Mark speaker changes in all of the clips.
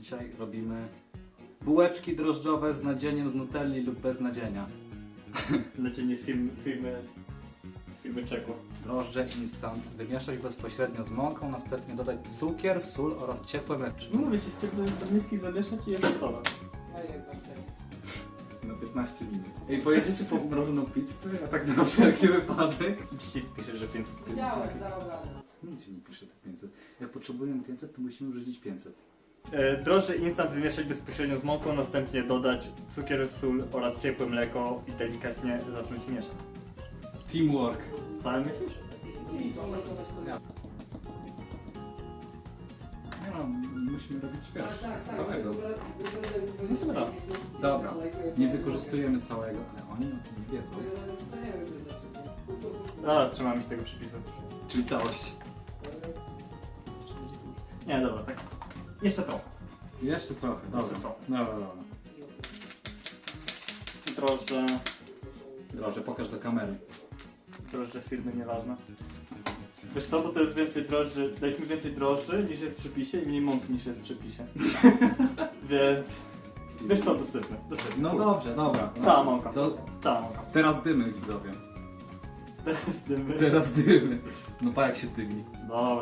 Speaker 1: Dzisiaj robimy bułeczki drożdżowe z nadzieniem z nutelli lub bez nadzienia.
Speaker 2: Nadzienie firmy Czeko.
Speaker 1: Drożdże instant. Wymieszać bezpośrednio z mąką, następnie dodać cukier, sól oraz ciepłe mleczko.
Speaker 2: No mówię ci, do miski zamieszać i jest gotowe.
Speaker 3: No jest właśnie.
Speaker 1: Na 15 minut. Ej, pojedziecie po mrożoną pizzę? A tak na wszelki wypadek?
Speaker 2: Dzisiaj piszesz, że 500.
Speaker 3: Widziałem, zarobione.
Speaker 1: Nic się nie pisze te 500. Jak potrzebujemy 500, to musimy wrzucić 500.
Speaker 2: Drożdże instant wymieszać bezpośrednio z mąką, następnie dodać cukier, sól oraz ciepłe mleko i delikatnie zacząć mieszać.
Speaker 1: Teamwork.
Speaker 2: Całe myślisz?
Speaker 3: Czyli co, lekować konia.
Speaker 1: Nie no, musimy robić wiesz, z całego. Dobra, nie wykorzystujemy całego, ale oni o tym nie wiedzą.
Speaker 2: Dobra, trzymamy się tego przepisu.
Speaker 1: Czyli całość.
Speaker 2: Nie, dobra, tak. Jeszcze to.
Speaker 1: Jeszcze trochę,
Speaker 2: Jeszcze
Speaker 1: dobra.
Speaker 2: trochę.
Speaker 1: Dobra.
Speaker 2: Drożdże.
Speaker 1: Drożdże, pokaż do kamery.
Speaker 2: Drożdże firmy, nieważne. Wiesz co, bo to jest więcej drożdży, daliśmy więcej drożdży niż jest w przepisie i mniej mąki niż jest w przepisie. Więc... Wiesz co, dosypmy.
Speaker 1: No dobrze, dobra.
Speaker 2: Cała mąka. Cała mąka.
Speaker 1: Teraz dymy, widzowie.
Speaker 2: Teraz dymy.
Speaker 1: Teraz dymy. No pa jak się dymi.
Speaker 2: Dobra.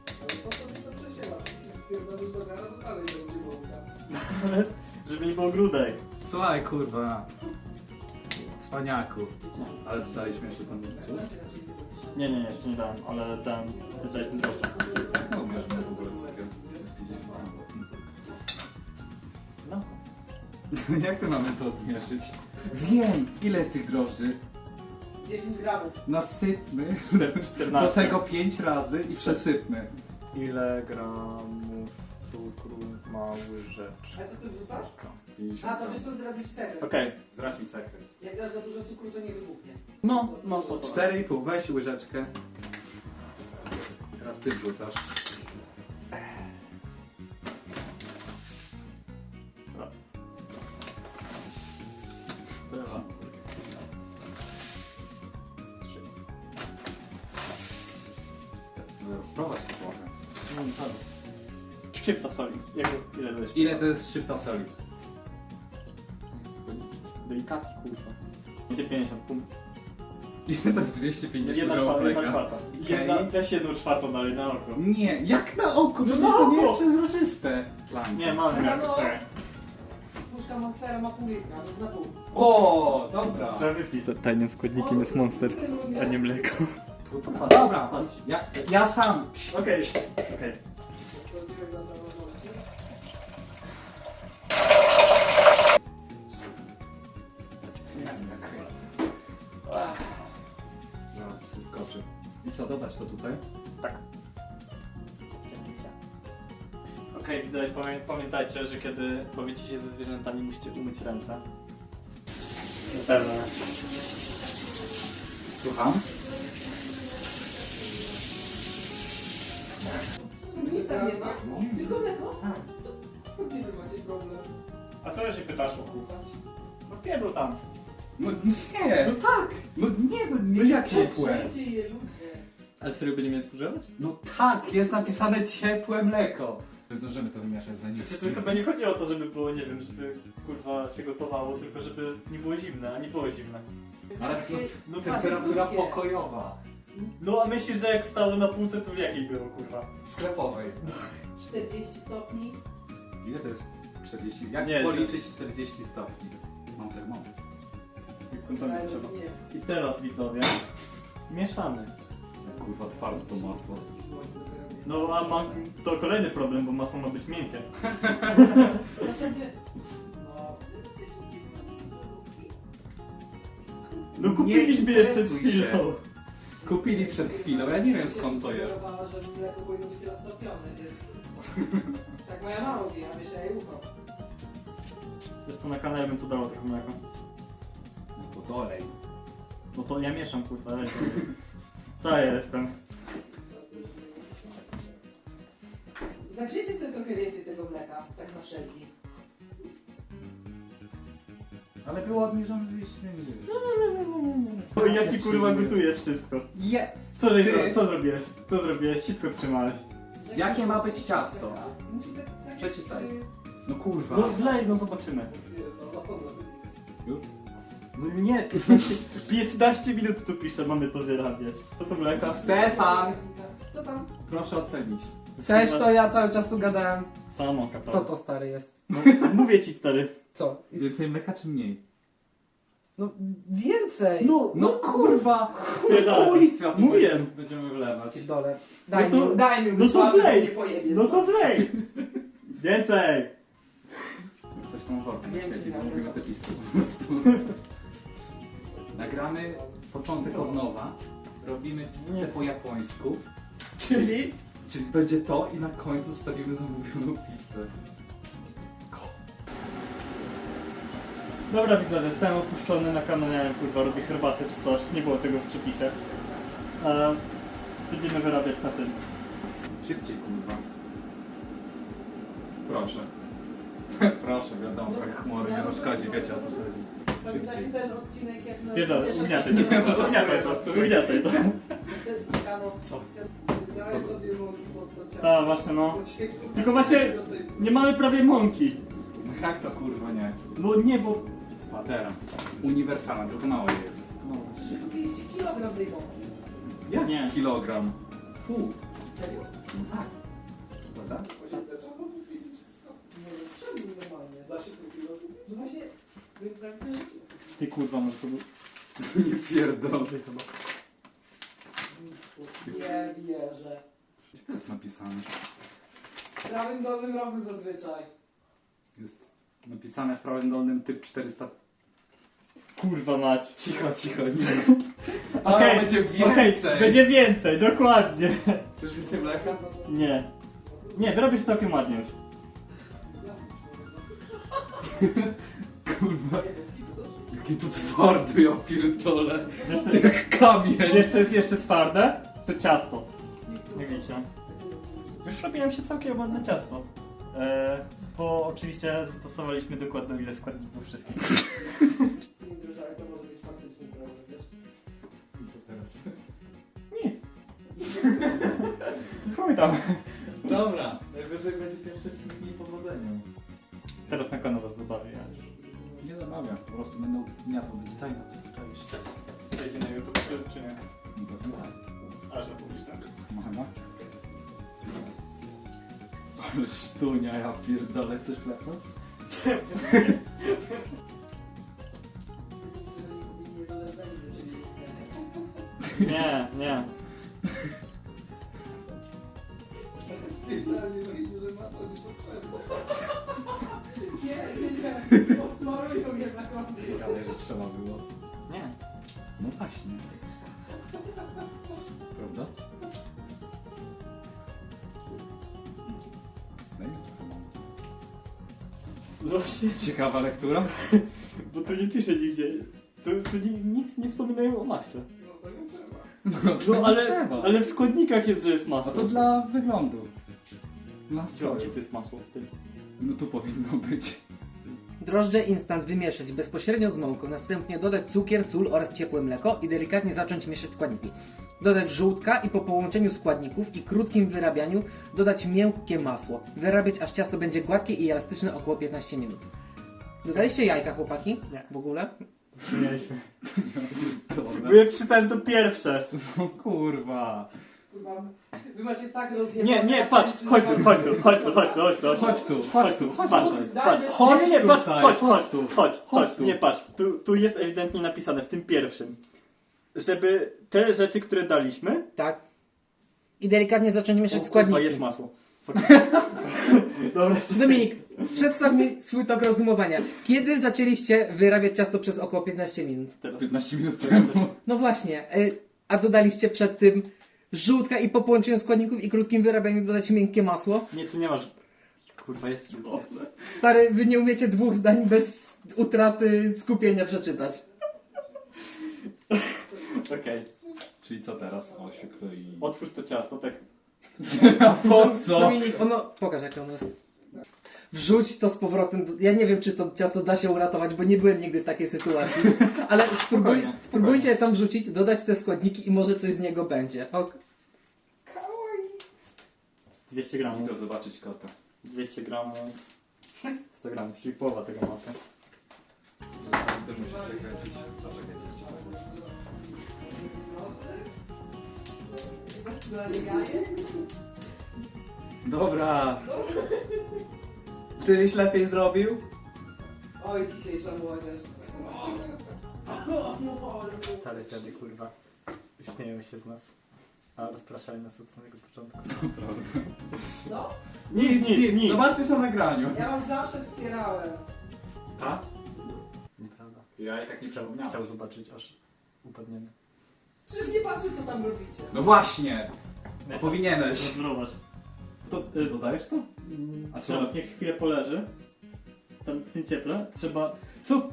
Speaker 2: Żeby nie było grudek.
Speaker 1: Słuchaj kurwa. Cwaniaku. Ale dodaliśmy jeszcze tam sól?
Speaker 2: Nie, jeszcze nie dałem, ale ten... Daliśmy drożdże.
Speaker 1: No umiesz w ogóle cukier.
Speaker 2: No.
Speaker 1: Jak my mamy to odmierzyć? Wiem! Ile jest tych drożdży?
Speaker 3: 10 gramów.
Speaker 1: Nasypmy
Speaker 2: 14.
Speaker 1: do tego 5 razy i przesypmy.
Speaker 2: Ile gramów cukru ma łyżeczka?
Speaker 3: A co ty wrzucasz? A, to wiesz co, zdradzić sekret.
Speaker 2: Okej.
Speaker 1: Zdradź mi sekret.
Speaker 3: Jak dasz za dużo cukru, to nie wybuchnie.
Speaker 2: No, to
Speaker 1: 4,5, weź łyżeczkę. Teraz ty wrzucasz.
Speaker 2: Raz. Dwa. Trzy.
Speaker 1: No, spróbować to trochę.
Speaker 2: Szczypta soli. Ile to jest?
Speaker 1: Ile to jest szczypta soli?
Speaker 2: Delikatnie, kurwa. 250 punktów.
Speaker 1: Ile to jest 250
Speaker 2: Jedna
Speaker 1: gramów
Speaker 2: czwarta.
Speaker 1: Okej.
Speaker 2: Weź 1/4 dalej na oko.
Speaker 1: Nie, jak na oko? Przecież
Speaker 2: na
Speaker 1: to nie
Speaker 2: oko.
Speaker 1: jest przezroczyste.
Speaker 2: Nie, mam
Speaker 3: No,
Speaker 2: jak
Speaker 3: no.
Speaker 2: czekaj.
Speaker 3: Puszka Monstera ma pół litra, więc na pół.
Speaker 1: O, dobra.
Speaker 2: Trzeba wypić. Tajnym składnikiem jest Monster, a nie mleko.
Speaker 1: Dobra, ja sam.
Speaker 2: Okej.
Speaker 1: Zaraz skoczy. I co, dodać to tutaj?
Speaker 2: Tak. Okej, widzowie, pamiętajcie, że kiedy bawicie się ze zwierzętami, musicie umyć ręce. Pewnie.
Speaker 1: Słucham?
Speaker 3: Nic tam nie ma? Tylko mleko?
Speaker 1: Tak.
Speaker 3: To gdzie wy macie problem?
Speaker 2: A co się pytasz o kupa? No pierdol tam.
Speaker 1: No nie.
Speaker 3: No tak!
Speaker 1: No nie jak ciepłe.
Speaker 3: Wszędzie je ludzie.
Speaker 2: Ale serio będziemy je używać?
Speaker 1: No tak, jest napisane ciepłe mleko. Zdążymy to wymieszać zanim
Speaker 2: To chyba nie chodzi o to, żeby było, nie wiem, żeby kurwa się gotowało, tylko żeby nie było zimne, a nie było zimne.
Speaker 1: Ale
Speaker 2: No
Speaker 1: temperatura pokojowa.
Speaker 2: No a myślisz, że jak stało na półce, to w jakiej było, kurwa?
Speaker 1: Sklepowej.
Speaker 3: 40 stopni.
Speaker 1: Ile to jest 40? Jak
Speaker 2: Nie,
Speaker 1: policzyć 40 stopni? Mam termometr.
Speaker 2: Jak
Speaker 3: Ale
Speaker 2: trzeba.
Speaker 3: nie.
Speaker 2: I teraz, widzowie, mieszamy.
Speaker 1: Kurwa, twarde to masło.
Speaker 2: No a mam to kolejny problem, bo masło ma być miękkie.
Speaker 3: W zasadzie... No...
Speaker 2: No kupiliśmy je przed
Speaker 1: interesuj się.
Speaker 2: chwilą.
Speaker 1: Kupili przed chwilą, ja nie wiem skąd to jest.
Speaker 3: Sugerowała, że mleko powinno być roztopione, więc... Tak moja mama mówi, a myślę, ja jej ufam.
Speaker 2: Wiesz co, na kanale bym tu dało trochę mleka.
Speaker 1: No to dolej.
Speaker 2: No to ja mieszam, kurwa, lecie. Co ja jestem?
Speaker 3: Zagrzejcie sobie trochę więcej tego mleka, tak na wszelki.
Speaker 1: Ale było obniżone 200
Speaker 2: Bo ja ci kurwa gotuję wszystko.
Speaker 1: Je!
Speaker 2: Co
Speaker 1: Ty-
Speaker 2: zrobiłeś? Co zrobiłeś? Sitko trzymałeś.
Speaker 1: Jakie ma być ciasto?
Speaker 3: Musi tak
Speaker 1: Przeczytaj. No kurwa.
Speaker 2: No wlej, no zobaczymy.
Speaker 1: Już?
Speaker 2: No nie, 15 minut tu pisze, mamy to wyrabiać. To są mleka.
Speaker 1: Stefan!
Speaker 3: Co tam?
Speaker 1: Proszę ocenić.
Speaker 3: Cześć, to ja cały czas tu gadałem.
Speaker 2: Samo, kapel.
Speaker 3: Co to stary jest?
Speaker 2: No, mówię ci, stary.
Speaker 3: Co?
Speaker 1: Więcej mleka czy mniej?
Speaker 3: No więcej!
Speaker 1: No kurwa!
Speaker 2: Pierdolę.
Speaker 1: Pół litra tu
Speaker 2: Mówię.
Speaker 1: będziemy wlewać.
Speaker 3: Dole.
Speaker 2: No to-
Speaker 3: Daj mi
Speaker 2: no to
Speaker 3: błogosławy,
Speaker 2: wlej.
Speaker 3: nie pojebie
Speaker 2: No to wlej! Więcej!
Speaker 1: Coś tam workiem
Speaker 3: Wiem,
Speaker 1: świeci,
Speaker 3: że
Speaker 1: zamówimy te pizzy po prostu. Nagramy początek od nowa. Robimy pizzę po japońsku.
Speaker 3: Czyli?
Speaker 1: Czyli będzie to i na końcu stawimy zamówioną pizzę.
Speaker 2: Dobra, widzę, zostałem opuszczony na kanale, kurwa, robię herbatę czy coś. Nie było tego w przepisie. Będziemy wyrabiać na tym.
Speaker 1: Szybciej kurwa. Proszę. Proszę, wiadomo, tak chmury nie rozchodzi, wiecie o co chodzi.
Speaker 3: Pamiętacie ten odcinek jak na...
Speaker 2: Pierdolę,
Speaker 3: wiesz, jak
Speaker 2: ugniataj
Speaker 3: się
Speaker 2: to,
Speaker 3: nie
Speaker 2: ugniataj to, ugniataj to.
Speaker 1: Co?
Speaker 3: Daj sobie nogi pod to ciało.
Speaker 2: Tak, właśnie no. Tylko właśnie nie mamy prawie mąki.
Speaker 1: No jak to kurwa nie?
Speaker 2: No nie, bo...
Speaker 1: Patera. Uniwersalna, tylko mało jej jest.
Speaker 2: No.
Speaker 3: 30 kg tej mąki.
Speaker 1: Jak?
Speaker 2: Nie.
Speaker 1: Kilogram. Pół.
Speaker 3: Serio?
Speaker 1: No tak. Prawda?
Speaker 3: No, czemu normalnie? Da się pół kilo? No właśnie...
Speaker 2: Ty kurwa, może to był...
Speaker 1: Nie pierdolę.
Speaker 3: Nie wierzę.
Speaker 1: Gdzie to jest napisane?
Speaker 3: W prawym dolnym rogu zazwyczaj.
Speaker 1: Jest napisane w prawym dolnym typ 400.
Speaker 2: Kurwa mać.
Speaker 1: Cicho, cicho, nie.
Speaker 2: Okej,
Speaker 1: będzie
Speaker 2: okej,
Speaker 1: więcej.
Speaker 2: będzie więcej, dokładnie.
Speaker 1: Chcesz więcej mleka?
Speaker 2: Nie. Nie, wyrobisz całkiem ładnie już.
Speaker 1: Kurwa. Jaki to twardy, ja pierdolę.
Speaker 2: Wiesz,
Speaker 1: Jak kamień.
Speaker 2: wiesz co jest jeszcze twarde? To ciasto. Jak widzicie. Już robiłem się całkiem ładne ciasto. Bo oczywiście zastosowaliśmy dokładną ilość składników wszystkich.
Speaker 3: Z tymi drożdżami to może być faktyczny problem, wiesz?
Speaker 1: Co teraz?
Speaker 2: Nic. Chuj tam.
Speaker 1: Dobra, najwyżej będzie pierwszy z dni powodzenia.
Speaker 2: Teraz na kanał was zabawię, ja już.
Speaker 1: Nie zamawiam, po prostu będą miasto być tajna, oczywiście.
Speaker 2: Przejdzie na YouTube czy nie?
Speaker 1: No to tak.
Speaker 2: A, że publiczne.
Speaker 1: Mama? Ale sztunia, ja pierdolę, chcesz mleko?
Speaker 2: Nie, nie.
Speaker 3: Nie, posmarują mnie na końcu.
Speaker 1: Ale że trzeba było.
Speaker 2: Nie.
Speaker 1: No właśnie. Prawda? Daj mi trochę mam.
Speaker 2: Właśnie,
Speaker 1: Ciekawa lektura?
Speaker 2: bo tu nie pisze nigdzie. Tu nic nie wspominają o maśle. No ale w składnikach jest, że jest
Speaker 1: A
Speaker 2: masło.
Speaker 1: to dla wyglądu. Dla
Speaker 2: Gdzie
Speaker 1: stroju.
Speaker 2: to jest masło w tym?
Speaker 1: No tu powinno być.
Speaker 3: Drożdże instant wymieszać bezpośrednio z mąką, następnie dodać cukier, sól oraz ciepłe mleko i delikatnie zacząć mieszać składniki. Dodać żółtka i po połączeniu składników i krótkim wyrabianiu dodać miękkie masło. Wyrabiać aż ciasto będzie gładkie i elastyczne około 15 minut. Dodaliście jajka, chłopaki?
Speaker 2: Nie.
Speaker 3: W ogóle?
Speaker 2: Nie mieliśmy. Bo
Speaker 1: Dobra.
Speaker 2: ja przeczytałem to pierwsze.
Speaker 1: No kurwa.
Speaker 3: Kurwa, wy macie tak rozjebane...
Speaker 2: Nie, patrz, chodź tu.
Speaker 1: Chodź tu, patrz,
Speaker 2: patrz,
Speaker 3: Zdanie-
Speaker 2: chodź, nie, patrz,
Speaker 1: tutaj,
Speaker 2: chodź
Speaker 1: chodź tu.
Speaker 2: nie, patrz, tu jest ewidentnie napisane w tym pierwszym, żeby te rzeczy, które daliśmy,
Speaker 3: Tak. I delikatnie zacząć mieszać
Speaker 2: kurwa,
Speaker 3: składniki.
Speaker 2: jest masło. Dobra,
Speaker 3: Dominik, przedstaw mi swój tok rozumowania. Kiedy zaczęliście wyrabiać ciasto przez około 15 minut?
Speaker 2: teraz.
Speaker 1: 15 minut temu.
Speaker 3: No właśnie, a dodaliście przed tym żółtka i po połączeniu składników i krótkim wyrabianiu dodać miękkie masło?
Speaker 2: Nie, tu nie masz, kurwa, jest
Speaker 3: Stary, wy nie umiecie 2 zdań bez utraty skupienia przeczytać.
Speaker 2: Okej,
Speaker 1: Czyli co teraz? O, się kroi.
Speaker 2: otwórz to ciasto, tak.
Speaker 1: A po co?
Speaker 3: Dominik, pokaż jak ono jest. Wrzuć to z powrotem. Ja nie wiem, czy to ciasto da się uratować, bo nie byłem nigdy w takiej sytuacji. Ale
Speaker 1: Spokojnie,
Speaker 3: spróbujcie je tam wrzucić, dodać te składniki i może coś z niego będzie.
Speaker 2: 200 gramów.
Speaker 1: Idę zobaczyć kota.
Speaker 2: 200 gramów. 100 gram, czyli połowa tego maka.
Speaker 1: Ty musisz zakręcić. Poczekaj, jeszcze
Speaker 4: Dobra. Tyś lepiej zrobił?
Speaker 3: Oj, dzisiejsza młodzież.
Speaker 2: Stare dziady, kurwa. Śmieją się z nas. A rozpraszali nas od samego początku.
Speaker 3: No,
Speaker 4: Nic. Zobaczysz na nagraniu.
Speaker 3: ja was zawsze wspierałem.
Speaker 4: A?
Speaker 2: Nieprawda.
Speaker 1: Ja i tak nie przypomniałem.
Speaker 2: Chciał zobaczyć, aż upadniemy.
Speaker 3: Przecież nie patrzę, co tam robicie.
Speaker 1: No właśnie! No powinieneś.
Speaker 2: Zobacz. To dodajesz to?
Speaker 1: A
Speaker 2: Trzeba,
Speaker 1: co?
Speaker 2: niech chwilę poleży. Tam w tym cieple. Trzeba... Co?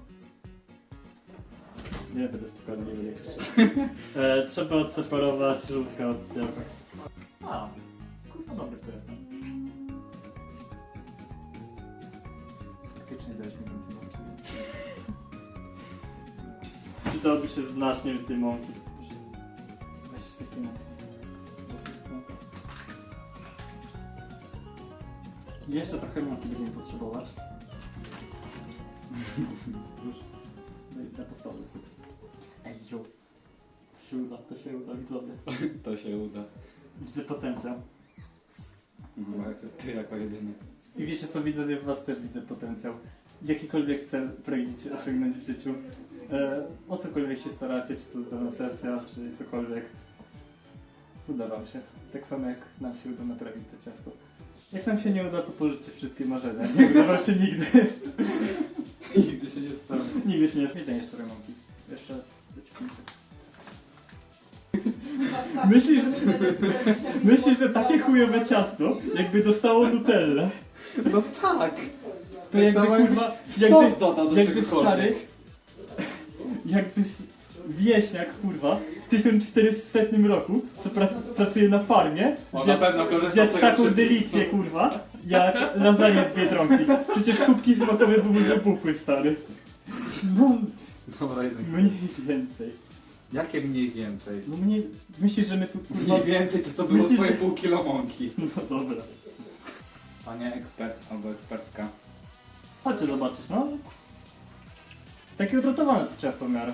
Speaker 2: Nie będę spokojny, nie będę krzyczał. Trzeba odseparować żółtka od białka. A, kurwa dobry to jest. Faktycznie dałeś mi więcej mąki. Przydałoby się znacznie więcej mąki. Weź świetnie mąki. Jeszcze trochę mąki będziemy potrzebować. Już. No i na postawie. Ej, jo. To się uda, widzowie.
Speaker 1: To się uda.
Speaker 2: Widzę potencjał.
Speaker 1: Ty jako jedyny.
Speaker 2: I wiecie co, widzowie, w was też widzę potencjał. Jakikolwiek cel pragniecie osiągnąć w życiu, o cokolwiek się staracie, czy to zdana sesja, czy cokolwiek, uda wam się. Tak samo jak nam się uda naprawić to ciasto. Jak nam się nie uda, to pożycie wszystkie marzenia. Nie uda wam się nigdy.
Speaker 1: Nigdy się nie spełni.
Speaker 2: Nigdy się nie zmieni jeszcze remonki. Jeszcze dociągnijcie. Myślisz, że takie chujowe ciasto, jakby dostało Nutellę,
Speaker 1: No tak!
Speaker 2: to jakby
Speaker 1: samo
Speaker 2: kurwa,
Speaker 1: sos dodał do
Speaker 2: jakby
Speaker 1: czegokolwiek.
Speaker 2: stary, jakby wieśniak kurwa w 1400 roku, co pracuje na farmie,
Speaker 1: On na pewno korzysta z
Speaker 2: zjadł
Speaker 1: tego
Speaker 2: taką
Speaker 1: przepisu.
Speaker 2: delicję kurwa, jak lasagne z Biedronki. Przecież kubki smakowe były wybuchły, stary. No,
Speaker 1: Dobra, jednak.
Speaker 2: mniej więcej.
Speaker 1: Jakie mniej więcej?
Speaker 2: No mniej, myślisz, że my tu kurwa...
Speaker 1: Mniej więcej to było
Speaker 2: Myślisz,
Speaker 1: twoje
Speaker 2: że-
Speaker 1: pół kilo mąki.
Speaker 2: No dobra.
Speaker 1: Panie ekspert albo ekspertka.
Speaker 2: Chodźcie zobaczyć, no. Takie odrotowane to ciasto w miarę.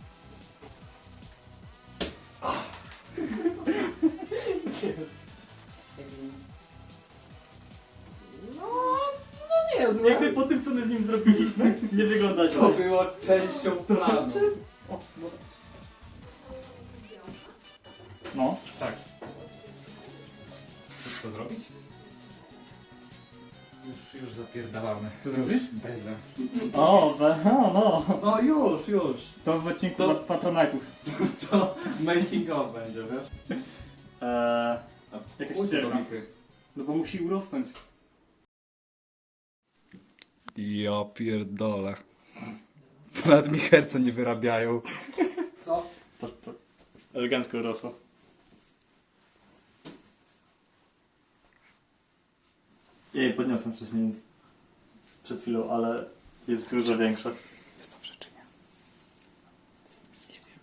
Speaker 3: No niezłe.
Speaker 2: Jakby po tym, co my z nim zrobiliśmy, nie wygląda źle.
Speaker 1: To było częścią planu.
Speaker 3: O, bo...
Speaker 2: No.
Speaker 1: Tak. Chcesz co zrobić? Już zapierdalamy.
Speaker 2: Co zrobisz?
Speaker 1: Bezem.
Speaker 2: O, no.
Speaker 1: No już.
Speaker 2: To w odcinku
Speaker 1: To-
Speaker 2: Patronite'ów.
Speaker 1: To making of będzie, wiesz?
Speaker 2: Jakaś
Speaker 1: Pójdź
Speaker 2: ścierka.
Speaker 1: do Michy.
Speaker 2: No bo musi urosnąć.
Speaker 1: Ja pierdolę. Nawet mi herce nie wyrabiają.
Speaker 3: Co?
Speaker 2: To elegancko urosło. Ja jej podniosłem wcześniej, więc przed chwilą, ale jest dużo większa.
Speaker 1: Jest dobrze czy nie? Nie wiem.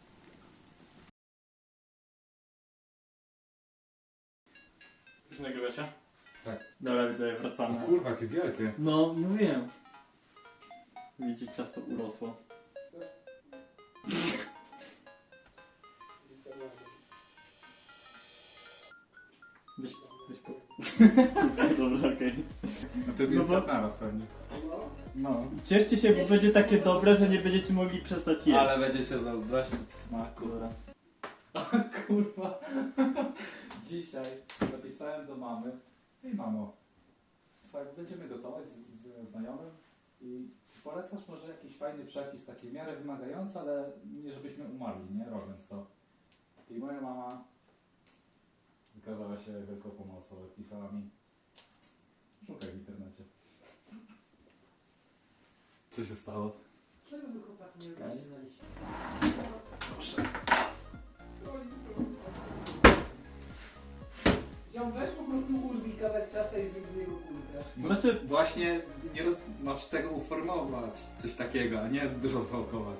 Speaker 2: Już nagrywa się?
Speaker 1: Tak.
Speaker 2: Dobra, widzę, wracamy.
Speaker 1: Kurwa, jakie wielkie.
Speaker 2: No, mówiłem. Widzicie, ciasto urosło. Weź po... Dobra, okej.
Speaker 1: No to
Speaker 2: No
Speaker 1: jest
Speaker 2: bo-
Speaker 1: naraz pewnie. No.
Speaker 2: Cieszcie się, bo będzie takie dobre, że nie będziecie mogli przestać jeść.
Speaker 1: Ale będzie się zazdrościć smaku.
Speaker 2: Dobra.
Speaker 1: Kurwa. Dzisiaj napisałem do mamy. Hej mamo, słuchaj, będziemy gotować z znajomym i polecasz może jakiś fajny przepis, taki w miarę wymagający, ale nie żebyśmy umarli, nie? Robiąc to. I moja mama wykazała się wielką pomocą. Pisała mi, szukaj w internecie. Co się stało?
Speaker 3: Czego wy chłopaki nie
Speaker 1: Okej.
Speaker 3: robicie?
Speaker 1: Proszę.
Speaker 3: Ziom, weź po prostu urwij kawałek ciasta i zrób z niego kulkę.
Speaker 2: Znaczy-
Speaker 1: Właśnie nie masz tego uformować, coś takiego, a nie rozwałkować.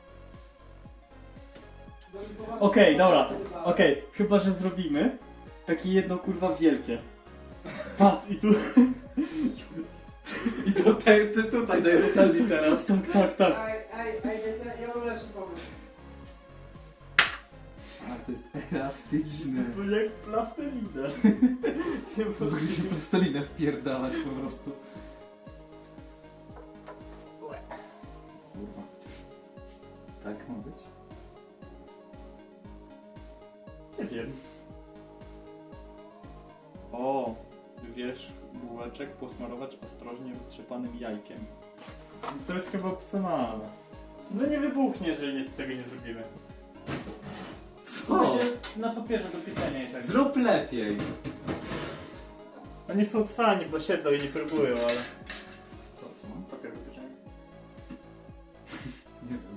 Speaker 2: Okej, dobra. Okej, chyba, że zrobimy takie jedno kurwa wielkie. Patrz, i tu...
Speaker 4: Ty tutaj daj nuteli teraz.
Speaker 2: Tak.
Speaker 3: Ej, wiecie, ja mam lepszy pomysł.
Speaker 4: A to jest elastyczny.
Speaker 2: To jak plastelina.
Speaker 4: Mogliśmy plastelinę wpierdalać po prostu. Kurwa. Tak ma być?
Speaker 2: Nie wiem. O, wiesz, bułeczek posmarować ostrożnie roztrzepanym jajkiem. To jest chyba opcjonalne. No nie wybuchnie, jeżeli tego nie zrobimy.
Speaker 4: Co?
Speaker 2: Na papierze do pieczenia i tak.
Speaker 4: Zrób lepiej.
Speaker 2: Oni są cwani, bo siedzą i nie próbują, ale...
Speaker 4: Co?
Speaker 2: Papier do pieczenia.
Speaker 4: Nie wiem.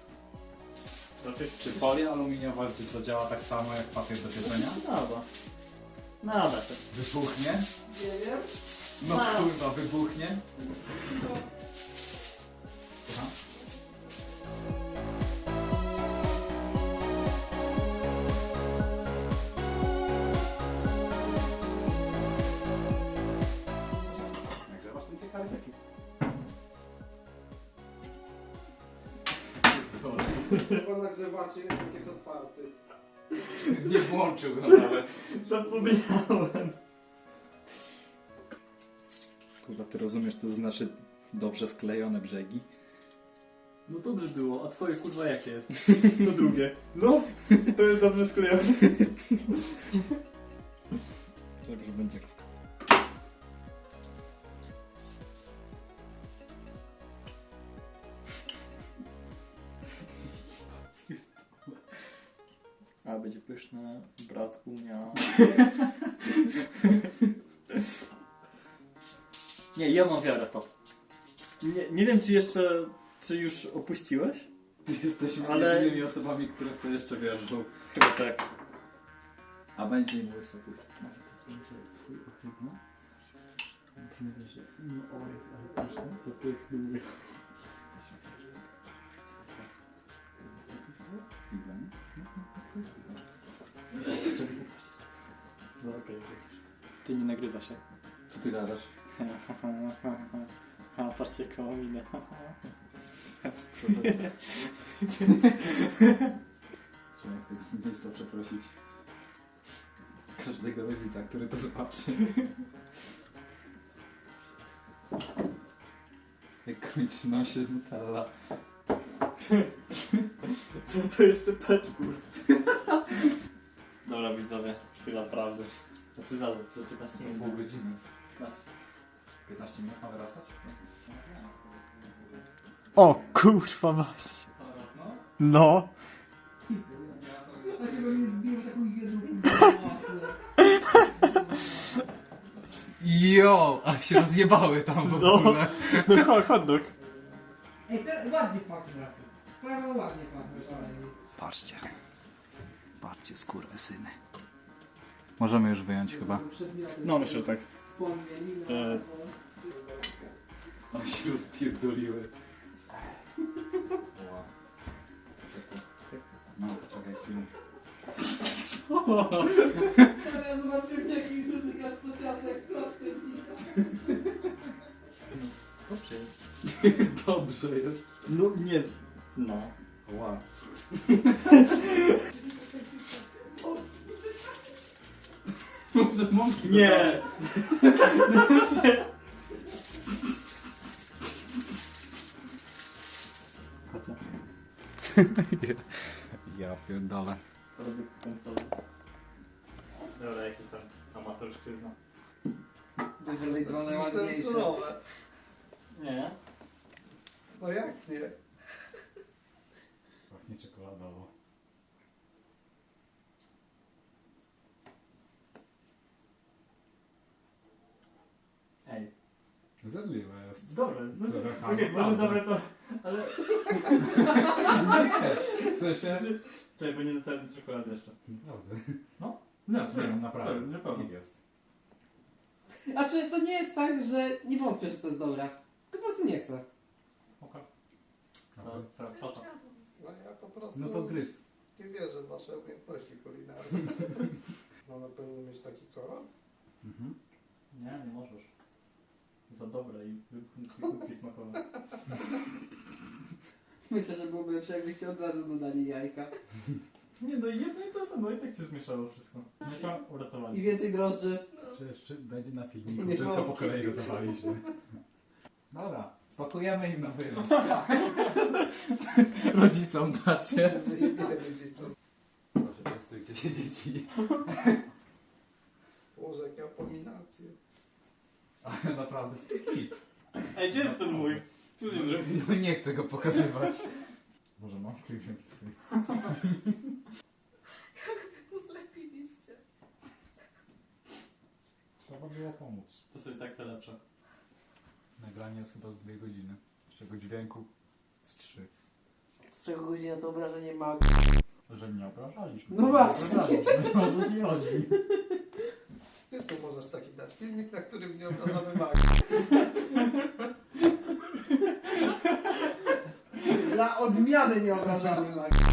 Speaker 1: Czy folia aluminiowa, czy co działa tak samo jak papier do pieczenia?
Speaker 2: Nada się.
Speaker 1: Wybuchnie?
Speaker 3: Nie wiem.
Speaker 1: No kurwa, wybuchnie? Słucham? Nagrzewasz ten piekarnik?
Speaker 5: Chyba nagrzewacie, jak jest otwarty.
Speaker 1: Nie włączył go nawet.
Speaker 2: Zapomniałem.
Speaker 4: Kurwa, ty rozumiesz, co to znaczy dobrze sklejone brzegi?
Speaker 2: No dobrze było, a twoje kurwa jakie jest? To drugie. No, to jest dobrze sklejone.
Speaker 4: Dobrze będzie jak
Speaker 2: A będzie pyszne, bratku miał. Nie, ja mam wiarę w to. Nie wiem, czy już opuściłeś?
Speaker 4: Jesteśmy
Speaker 2: Ale-
Speaker 4: jedynymi osobami, które w to jeszcze wierzą.
Speaker 2: Chyba tak.
Speaker 4: A będzie im łysy puść. Będzie twój ohydny?
Speaker 2: Myślę, że no o jest, ale pyszne, to jest chyba.
Speaker 4: Chwilę.
Speaker 2: No okej. Ty nie nagrywa się.
Speaker 4: Co ty gadasz?
Speaker 2: A patrzcie koło minę.
Speaker 4: Trzeba z tego miejsca przeprosić każdego rodzica, który to zobaczy. Jak kończy nosie Nutella.
Speaker 2: To jeszcze peczkur. Dobra widzowie, chwila prawdy. Znaczy za 15
Speaker 4: Za
Speaker 2: minut.
Speaker 4: pół godziny.
Speaker 1: 15 minut ma wyrastać?
Speaker 2: O kurwa mać.
Speaker 1: Zaraz, no.
Speaker 2: No.
Speaker 3: To się pewnie zbił taką jedną masę.
Speaker 4: Jo! A się rozjebały tam w
Speaker 2: No.
Speaker 4: ogóle.
Speaker 2: No hot dog.
Speaker 3: Ej, teraz ładnie pachnie. Prawo ładnie pachnie przynajmniej.
Speaker 4: Patrzcie. Patrzcie, skurwysyny. Możemy już wyjąć chyba.
Speaker 2: No myślę, że tak.
Speaker 3: Wspomnień.
Speaker 4: One się rozpierdoliły. No, poczekaj chwilę.
Speaker 3: Teraz zobaczymy jaki dotykasz to ciasto jak prosty.
Speaker 2: Dobrze.
Speaker 4: Dobrze jest.
Speaker 2: No nie. No.
Speaker 4: Wow. Może mąki
Speaker 2: Nie.
Speaker 4: Ja pierdolę.
Speaker 2: Produkt końcowy. Dobra, jakiś tam amatorszczyzna.
Speaker 3: Będzie lejdwane
Speaker 5: To jest
Speaker 3: ładniejsze.
Speaker 5: surowe.
Speaker 2: Nie.
Speaker 5: No jak nie?
Speaker 4: Pachnie czekoladowo.
Speaker 2: Ej.
Speaker 4: Zjadliwe jest.
Speaker 2: Dobre. No,
Speaker 4: Trochę
Speaker 2: okej, może
Speaker 4: naprawdę.
Speaker 2: dobre to. Ale.
Speaker 4: Nie, w sensie...
Speaker 2: Czekaj, bo nie dotarłem do czekolady jeszcze.
Speaker 4: Naprawdę.
Speaker 2: No,
Speaker 4: Nie, naprawdę.
Speaker 2: Naprawdę.
Speaker 4: Git jest.
Speaker 3: A czy to nie jest tak, że nie wątpię, że to jest dobre? Tylko po prostu nie chcę.
Speaker 2: Co to?
Speaker 5: No ja po prostu
Speaker 4: No to gryz.
Speaker 5: nie wierzę w wasze umiejętności kulinarne. No na pewno mieć taki kolor?
Speaker 4: Mhm.
Speaker 2: Nie, nie możesz. Za dobre i wybuchniki smakowe.
Speaker 3: Myślę, że byłoby lepsze, jakbyście od razu dodali jajka.
Speaker 2: Nie no, jedno i to samo, i tak się zmieszało wszystko. Mieszam,
Speaker 3: I
Speaker 2: uratowali.
Speaker 3: więcej drożdży.
Speaker 4: Przecież będzie na filmiku,
Speaker 5: Nie
Speaker 4: wszystko
Speaker 5: ma.
Speaker 4: po kolei gotowaliśmy.
Speaker 1: Dobra, spakujemy im na wynos.
Speaker 4: Rodzicom dacie.
Speaker 5: Proszę,
Speaker 4: Częstujcie się dzieci.
Speaker 5: Boże, jakie abominacje.
Speaker 4: Ale naprawdę jest to hit.
Speaker 2: Ej, gdzie jest ten mój? Co z nim zrobił?
Speaker 4: No nie chcę go pokazywać. Może mam kliwionki swój.
Speaker 6: To zlepiliście.
Speaker 4: Trzeba było pomóc.
Speaker 2: To sobie tak te lepsze.
Speaker 4: Nagranie jest chyba z 2 godziny. Z czego dźwięku z 3.
Speaker 3: Z czego godzina to obrażenie ma.
Speaker 4: Że nie obrażaliśmy.
Speaker 3: No właśnie.
Speaker 4: Obrażaliśmy. O co ci chodzi?
Speaker 5: Ty tu możesz taki dać filmik, na którym nie obrażamy magii.
Speaker 3: Dla odmiany nie obrażamy magii.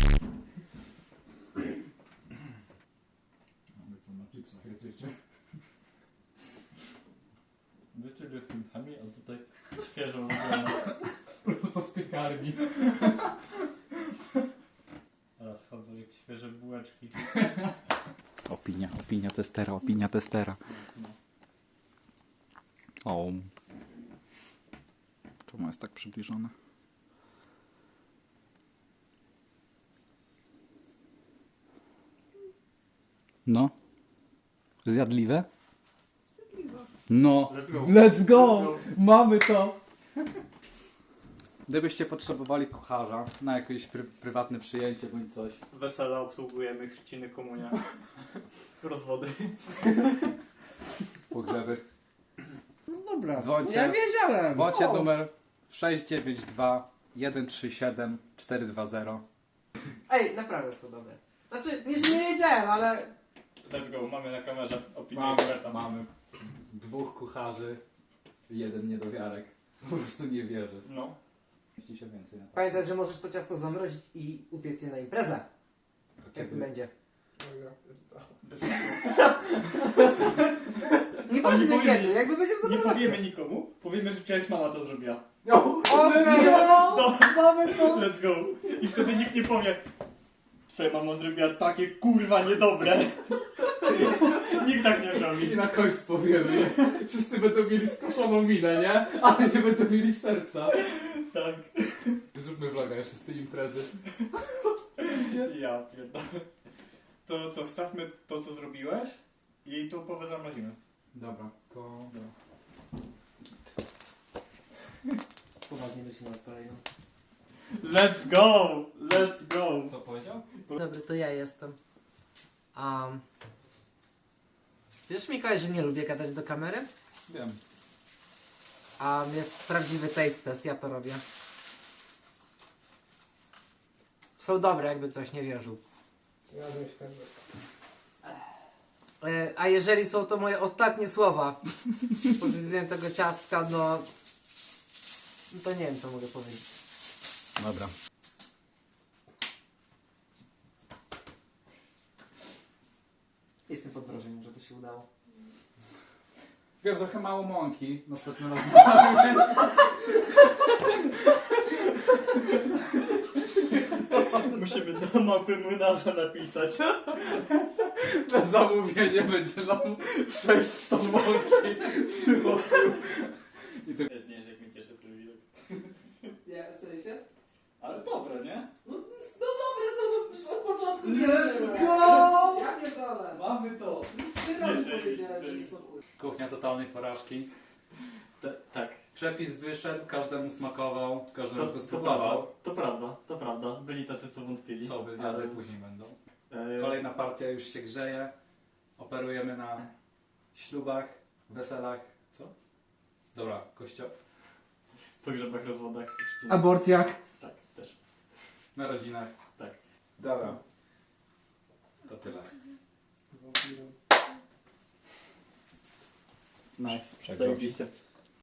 Speaker 4: Mamy co na chipsach jedziecie.
Speaker 2: Wiecie, że z pintami, a tutaj świeżo robione.
Speaker 4: Prosto z piekarni.
Speaker 2: Teraz chodzą jak świeże bułeczki.
Speaker 4: Opinia testera. O. Czemu jest tak przybliżone? No. Zjadliwe? No.
Speaker 2: Let's go.
Speaker 4: Let's go! Mamy to! Gdybyście potrzebowali kucharza na jakieś prywatne przyjęcie bądź coś.
Speaker 2: Wesela obsługujemy, chrzciny, komunia. Rozwody.
Speaker 4: Pogrzeby.
Speaker 3: No dobra.
Speaker 4: Dzwońcie.
Speaker 3: Ja wiedziałem.
Speaker 4: Bądźcie numer 692 137 420.
Speaker 3: Ej, naprawdę są dobre. Znaczy, nie, że nie wiedziałem, ale...
Speaker 2: Let's go, mamy na kamerze opinię
Speaker 4: Mamy,
Speaker 2: eksperta.
Speaker 4: mamy 2 kucharzy, 1 niedowiarek. Po prostu nie wierzy.
Speaker 2: No.
Speaker 4: Mieści się więcej na to.
Speaker 3: Pamiętaj, że możesz to ciasto zamrozić i upiec je na imprezę. Jak to będzie.
Speaker 5: No ja pierdolę.
Speaker 3: Nieważne
Speaker 2: powiemy-
Speaker 3: kiedy, jakby będzie w
Speaker 2: Nie
Speaker 3: zamrożeniu.
Speaker 2: powiemy nikomu, powiemy, że część mama to zrobiła.
Speaker 3: Mamy to!
Speaker 2: Let's go. I wtedy nikt nie powie, twoja mama zrobiła takie kurwa niedobre. Nikt tak nie zrobi.
Speaker 4: I na końcu powiemy, wszyscy będą mieli skoszoną minę, nie? Ale nie będą mieli serca.
Speaker 2: Tak.
Speaker 4: Zróbmy vloga jeszcze z tej imprezy.
Speaker 2: Ja pierdolę. To co, wstawmy to co zrobiłeś i tą połowę zamrozimy.
Speaker 4: Dobra, to...
Speaker 3: Poważnie myślę nad kolejną.
Speaker 2: Let's go! Let's go!
Speaker 4: Co powiedział?
Speaker 3: Dobry, to ja jestem. Wiesz, Mikołaj, że nie lubię gadać do kamery?
Speaker 4: Wiem.
Speaker 3: Jest prawdziwy taste test, ja to robię. Są dobre, jakby ktoś nie wierzył.
Speaker 5: Jadłem święty.
Speaker 3: A jeżeli są to moje ostatnie słowa pod względem tego ciastka, no to nie wiem, co mogę powiedzieć.
Speaker 4: Dobra.
Speaker 3: Jestem pod wrażeniem, że to się udało.
Speaker 4: Wiem, trochę mało mąki. Następnym razem.
Speaker 2: Musimy do mapy młynarza napisać.
Speaker 4: Na zamówienie będzie nam 6 ton mąki przywoził.
Speaker 2: Nie, że jak mnie cieszy ten widok.
Speaker 3: Ja, w sensie?
Speaker 2: Ale dobre, nie?
Speaker 3: No dobre są, już od początku
Speaker 4: Let's
Speaker 3: go! Ja pierdolę.
Speaker 4: Mamy to.
Speaker 3: 3 razy powiedziałem, że nie są kurwa.
Speaker 4: Kuchnia totalnej porażki.
Speaker 2: Tak.
Speaker 4: Przepis wyszedł, każdemu smakował, każdemu to spróbował.
Speaker 2: To prawda. Byli tacy, co wątpili.
Speaker 4: Co wywiady później będą.
Speaker 2: E,
Speaker 4: Kolejna partia już się grzeje. Operujemy na ślubach, weselach. Co? Dobra,
Speaker 2: pogrzebach, rozwodach. chrzcinach.
Speaker 3: Aborcjach.
Speaker 2: Tak, też.
Speaker 4: narodzinach.
Speaker 2: Tak.
Speaker 4: Dobra. To tyle.
Speaker 2: Nice.
Speaker 4: Przegrał.
Speaker 2: Zajebiście.